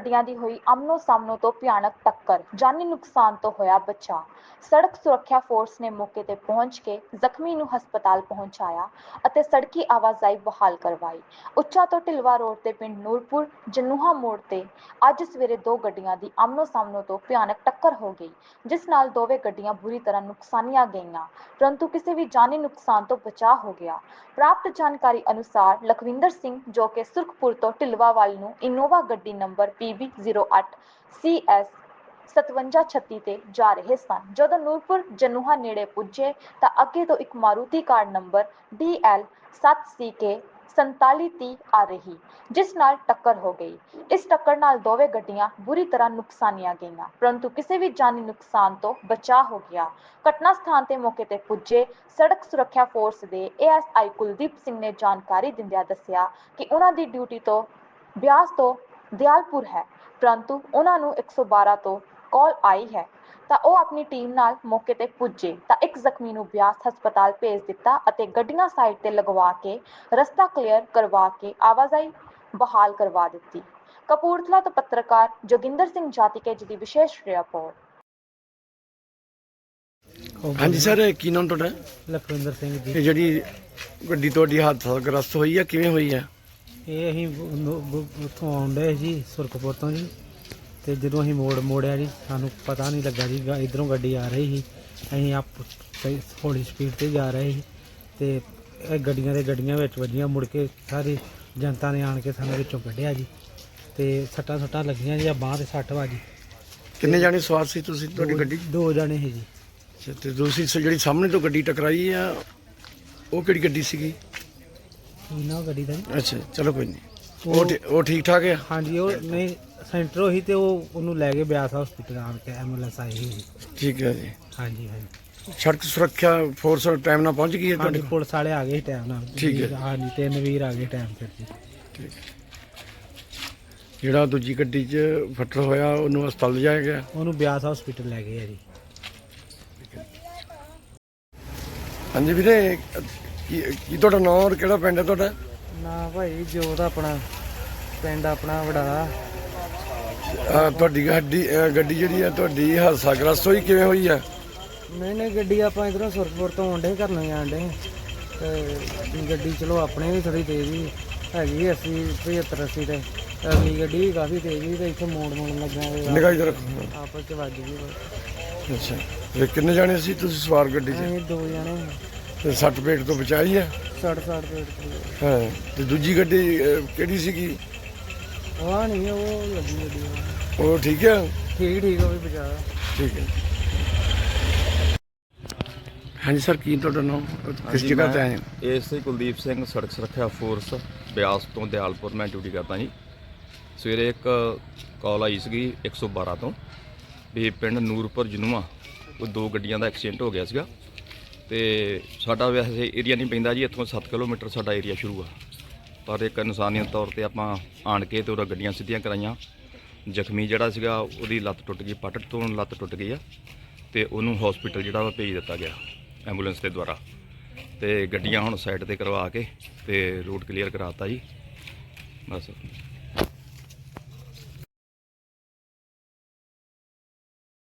ਗੱਡੀਆਂ ਦੀ ਹੋਈ ਆਮਨੋ ਸਾਹਮਣੋ ਤੋਂ ਭਿਆਨਕ ਟੱਕਰ, ਜਾਨੀ ਨੁਕਸਾਨ ਤੋਂ ਹੋਇਆ ਬਚਾਅ। ਸੜਕ ਸੁਰੱਖਿਆ ਫੋਰਸ ਨੇ ਮੌਕੇ ਤੇ ਪਹੁੰਚ ਕੇ ਜ਼ਖਮੀ ਨੂੰ ਹਸਪਤਾਲ ਪਹੁੰਚਾਇਆ ਅਤੇ ਸੜਕੀ ਆਵਾਜਾਈ ਬਹਾਲ ਕਰਵਾਈ। ਉੱਚਾ ਤੋਂ ਢਿਲਵਾ ਰੋਡ ਤੇ ਪਿੰਡ ਨੂਰਪੁਰ ਜਨੂਹਾ ਮੋੜ ਤੇ ਅੱਜ ਸਵੇਰੇ ਦੋ ਗੱਡੀਆਂ ਦੀ ਆਮਨੋ ਸਾਹਮਣੋ ਤੋਂ ਭਿਆਨਕ ਟੱਕਰ ਹੋ ਗਈ, ਜਿਸ ਨਾਲ ਦੋਵੇਂ ਗੱਡੀਆਂ ਬੁਰੀ ਤਰ੍ਹਾਂ ਨੁਕਸਾਨੀਆਂ ਗਈਆਂ, ਪਰੰਤੂ ਕਿਸੇ ਵੀ ਜਾਨੀ ਨੁਕਸਾਨ ਤੋਂ ਬਚਾਅ ਹੋ ਗਿਆ। ਪ੍ਰਾਪਤ ਜਾਣਕਾਰੀ ਅਨੁਸਾਰ ਲਖਵਿੰਦਰ ਸਿੰਘ ਜੋ ਕਿ ਸੁਰਖਪੁਰ ਤੋਂ ਢਿਲਵਾ ਵੱਲ ਨੂੰ ਇਨੋਵਾ ਗੱਡੀ ਨੰਬਰ PB08 CS 5736 ਤੇ ਜਾ ਰਹੇ ਸਨ। ਜਦੋਂ ਨੂਰਪੁਰ ਜਨੂਹਾ ਨੇੜੇ ਪੁੱਜੇ ਤਾਂ ਅੱਗੇ ਤੋਂ ਇੱਕ Maruti car number DL 7CK 4730 ਆ ਰਹੀ, ਜਿਸ ਨਾਲ ਟੱਕਰ ਹੋ ਗਈ। ਇਸ ਟੱਕਰ ਨਾਲ ਦੋਵੇਂ ਗੱਡੀਆਂ ਬੁਰੀ ਤਰ੍ਹਾਂ ਨੁਕਸਾਨੀਆਂ ਗਈਆਂ, ਪਰੰਤੂ ਕਿਸੇ ਵੀ ਜਾਨੀ ਨੁਕਸਾਨ ਤੋਂ ਬਚਾਅ ਹੋ ਗਿਆ। ਘਟਨਾ ਸਥਾਨ ਤੇ ਮੌਕੇ ਤੇ ਪੁੱਜੇ ਸੜਕ ਸੁਰੱਖਿਆ ਫੋਰਸ ਦੇ ASI ਕੁਲਦੀਪ ਸਿੰਘ ਨੇ ਜਾਣਕਾਰੀ ਦਿੰਦਿਆਂ ਦੱਸਿਆ ਕਿ ਉਹਨਾਂ ਦੀ ਡਿਊਟੀ ਤੋਂ ਬਿਆਸ ਤੋਂ ਦਿਆਲਪੁਰ ਹੈ, ਪਰੰਤੂ ਉਹਨਾਂ ਨੂੰ 112 ਤੋਂ ਕਾਲ ਆਈ ਹੈ ਤਾਂ ਉਹ ਆਪਣੀ ਟੀਮ ਨਾਲ ਮੌਕੇ ਤੇ ਪੁੱਜੇ ਤਾਂ ਇੱਕ ਜ਼ਖਮੀ ਨੂੰ ਬਿਆਸ ਹਸਪਤਾਲ ਭੇਜ ਦਿੱਤਾ ਅਤੇ ਗੱਡੀਆਂ ਸਾਈਡ ਤੇ ਲਗਵਾ ਕੇ ਰਸਤਾ ਕਲੀਅਰ ਕਰਵਾ ਕੇ ਆਵਾਜਾਈ ਬਹਾਲ ਕਰਵਾ ਦਿੱਤੀ। ਕਪੂਰਥਲਾ ਤੋਂ ਪੱਤਰਕਾਰ ਜੋਗਿੰਦਰ ਸਿੰਘ ਜਾਤੀਕੇ ਜੀ ਦੀ ਵਿਸ਼ੇਸ਼ ਰਿਪੋਰਟ। ਹਾਂਜੀ ਸਰ, ਕੀ ਨਾਮ ਤੁਹਾਡਾ? ਲਖਵਿੰਦਰ ਸਿੰਘ ਜੀ। ਇਹ ਜਿਹੜੀ ਗੱਡੀ ਤੁਹਾਡੀ ਹਾਦਸਾਗ੍ਰਸਤ ਹੋਈ ਆ, ਕਿਵੇਂ ਹੋਈ ਆ? ਇਹ ਅਸੀਂ ਉੱਥੋਂ ਆਉਂਦੇ ਜੀ ਸੁਰਖਪੁਰ ਤੋਂ ਜੀ, ਤੇ ਜਦੋਂ ਅਸੀਂ ਮੋੜਿਆ ਜੀ ਸਾਨੂੰ ਪਤਾ ਨਹੀਂ ਲੱਗਾ ਜੀ ਇੱਧਰੋਂ ਗੱਡੀ ਆ ਰਹੀ ਸੀ। ਅਸੀਂ ਹੌਲੀ ਸਪੀਡ ਤੇ ਜਾ ਰਹੇ ਸੀ ਤੇ ਇਹ ਗੱਡੀਆਂ ਵਿੱਚ ਵੱਜੀਆਂ। ਮੁੜ ਕੇ ਸਾਰੀ ਜਨਤਾ ਨੇ ਆਣ ਕੇ ਸਾਨੂੰ ਵਿੱਚੋਂ ਕੱਢਿਆ ਜੀ ਤੇ ਸੱਟਾਂ ਲੱਗੀਆਂ ਜੀ, ਬਾਂਹ ਤੇ ਸੱਟ ਵੱਜੀ। ਕਿੰਨੇ ਜਾਣੇ ਸਵਾਰ ਸੀ ਤੁਸੀਂ ਤੁਹਾਡੀ ਗੱਡੀ? ਦੋ ਜਾਣੇ ਸੀ ਜੀ। ਤੇ ਦੂਸਰੀ ਜਿਹੜੀ ਸਾਹਮਣੇ ਤੋਂ ਗੱਡੀ ਟਕਰਾਈ ਆ ਉਹ ਕਿਹੜੀ ਗੱਡੀ ਸੀਗੀ? ਇਹਨਾਂ ਗੱਡੀ ਦਾ ਜੀ। ਅੱਛਾ, ਚਲੋ ਕੋਈ ਨਹੀਂ। ਉਹ ਠੀਕ ਠਾਕ ਆ? ਹਾਂਜੀ, ਉਹ ਨਹੀਂ ਸੈਂਟਰ ਹੋਈ ਤੇ ਉਹਨੂੰ ਲੈ ਕੇ ਬਿਆਸ ਹਸਪੀਟਲ ਆਣ ਕੇ ਐਂਬੂਲੈਂਸ ਆਈ ਸੀ। ਠੀਕ ਹੈ ਜੀ। ਹਾਂਜੀ ਹਾਂਜੀ। ਸੜਕ ਸੁਰੱਖਿਆ ਫੋਰਸ ਟਾਈਮ ਨਾਲ ਪਹੁੰਚ ਗਈ ਹੈ ਤੁਹਾਡੇ? ਪੁਲਿਸ ਵਾਲੇ ਆ ਗਏ ਟਾਈਮ ਨਾਲ। ਠੀਕ ਹੈ। ਹਾਂਜੀ, 3 ਵੀਰ ਆ ਗਏ ਟਾਈਮ ਤੇ ਜੀ। ਠੀਕ ਹੈ। ਜਿਹੜਾ ਦੂਜੀ ਗੱਡੀ 'ਚ ਫੱਟੜ ਹੋਇਆ ਉਹਨੂੰ ਹਸਪਤਾਲ ਲਿਜਾਇਆ ਗਿਆ? ਉਹਨੂੰ ਬਿਆਸ ਹਸਪੀਟਲ ਲੈ ਗਏ ਆ ਜੀ। ਹਾਂਜੀ ਵੀਰੇ, ਕੀ ਤੁਹਾਡਾ ਨਾਮ ਔਰ ਕਿਹੜਾ ਪਿੰਡ ਹੈ ਤੁਹਾਡਾ? ਨਾ ਭਾਈ ਜੋਤ ਆਪਣਾ ਪਿੰਡ ਆਪਣਾ ਵੜਾ। ਤੁਹਾਡੀ ਗੱਡੀ ਜਿਹੜੀ ਆ ਤੁਹਾਡੀ ਹਾਦਸਾਗ੍ਰਸਤ ਹੋਈ, ਕਿਵੇਂ ਹੋਈ ਆ? ਨਹੀਂ ਗੱਡੀ ਆਪਾਂ ਇਧਰੋਂ ਸੁਰਖਪੁਰ ਤੋਂ ਆਉਂਦੇ ਘਰ ਨੂੰ ਆਂਡੇ ਤੇ ਗੱਡੀ ਚਲੋ ਆਪਣੇ ਵੀ ਥੋੜੀ ਤੇਜ਼ ਹੀ ਹੈਗੀ 80 75 80 ਤੇ ਅਗਲੀ ਗੱਡੀ ਵੀ ਕਾਫੀ ਤੇਜ਼ ਸੀ ਤੇ ਇੱਥੇ ਮੋੜ ਲੱਗਾ ਨਿਗਾਹ ਇਧਰ ਆਪਸ ਚ ਵੱਜ ਗਈ। ਅੱਛਾ, ਤੇ ਕਿੰਨੇ ਜਾਣੇ ਸੀ ਤੁਸੀਂ ਸਵਾਰ ਗੱਡੀ 'ਚ? ਅਸੀਂ 2 ਜਣੇ ਤੇ ਸੱਟ ਪੇਟ ਤੋਂ ਬਚਾਈ ਆ? 60 ਪੇਟ ਹਾਂ, ਤੇ ਦੂਜੀ ਗੱਡੀ ਕਿਹੜੀ ਸੀਗੀ? ਉਹ ਨਹੀਂ ਉਹ ਲੱਗੀ ਗੱਡੀ ਉਹ ਠੀਕ ਆ? ਠੀਕ ਉਹ ਵੀ ਬਚਾ। ਠੀਕ ਹੈ। ਹਾਂਜੀ ਸਰ, ਕੀ ਤੁਹਾਡਾ ਨਾਮ, ਕਿਸ ਜਗ੍ਹਾ ਤੇ ਆਏ ਹੋ? ASI ਕੁਲਦੀਪ ਸਿੰਘ, ਸੜਕ ਸੁਰੱਖਿਆ ਫੋਰਸ ਬਿਆਸ ਤੋਂ ਦਿਆਲਪੁਰ ਮੈਂ ਡਿਊਟੀ ਕਰਦਾ ਜੀ। ਸਵੇਰੇ ਇੱਕ ਕਾਲ ਆਈ ਸੀਗੀ 112 ਤੋਂ ਵੀ ਪਿੰਡ ਨੂਰਪੁਰ ਜਨੂਹਾ ਉਹ 2 ਗੱਡੀਆਂ ਦਾ ਐਕਸੀਡੈਂਟ ਹੋ ਗਿਆ ਸੀਗਾ ਤੇ ਸਾਡਾ ਵੈਸੇ ਏਰੀਆ ਨਹੀਂ ਪੈਂਦਾ ਜੀ, ਇੱਥੋਂ 7 ਕਿਲੋਮੀਟਰ ਸਾਡਾ ਏਰੀਆ ਸ਼ੁਰੂ ਆ, ਪਰ ਇੱਕ ਇਨਸਾਨੀਅਤ ਤੌਰ ਤੇ ਆਪਾਂ ਆਣ ਕੇ ਤੇ ਉਹਦਾ ਗੱਡੀਆਂ ਸਿੱਧੀਆਂ ਕਰਾਈਆਂ। ਜ਼ਖਮੀ ਜਿਹੜਾ ਸੀਗਾ ਉਹਦੀ ਲੱਤ ਟੁੱਟ ਗਈ, ਪੱਟ ਤੋਂ ਲੱਤ ਟੁੱਟ ਗਈ ਆ ਤੇ ਉਹਨੂੰ ਹਸਪੀਟਲ ਜਿਹੜਾ ਵਾ ਭੇਜ ਦਿੱਤਾ ਗਿਆ ਐਂਬੂਲੈਂਸ ਦੇ ਦੁਆਰਾ। ਤੇ ਗੱਡੀਆਂ ਹੁਣ ਸਾਈਡ ਤੇ ਕਰਵਾ ਕੇ ਤੇ ਰੂਟ ਕਲੀਅਰ ਕਰਾਤਾ ਜੀ ਬਸ।